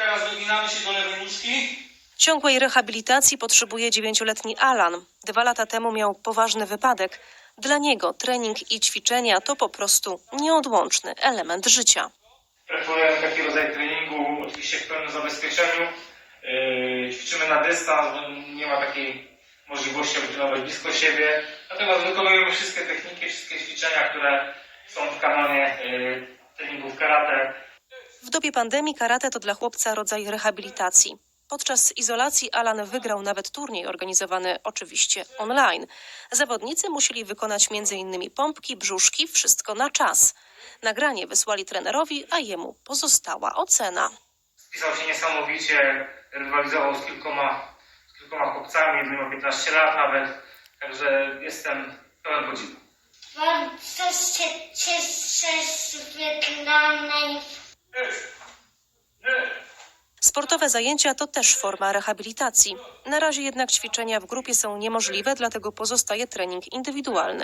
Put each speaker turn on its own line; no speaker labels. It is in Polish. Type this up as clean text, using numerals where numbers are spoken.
Teraz wyginamy się do lewej nóżki.
Ciągłej rehabilitacji potrzebuje 9-letni Alan. 2 lata temu miał poważny wypadek. Dla niego trening i ćwiczenia to po prostu nieodłączny element życia.
Preferujemy taki rodzaj treningu, oczywiście w pełnym zabezpieczeniu. Ćwiczymy na dystans, bo nie ma takiej możliwości, aby trenować blisko siebie. Natomiast wykonujemy wszystkie techniki, wszystkie ćwiczenia, które są w kanonie treningów karate.
W dobie pandemii karate to dla chłopca rodzaj rehabilitacji. Podczas izolacji Alan wygrał nawet turniej organizowany oczywiście online. Zawodnicy musieli wykonać m.in. pompki, brzuszki, wszystko na czas. Nagranie wysłali trenerowi, a jemu pozostała ocena.
Spisał się niesamowicie, rywalizował z kilkoma chłopcami, jednym ma 15 lat nawet, także jestem pełen podziwu.
Bardzo się cieszę z wygranej.
Sportowe zajęcia to też forma rehabilitacji. Na razie jednak ćwiczenia w grupie są niemożliwe, dlatego pozostaje trening indywidualny.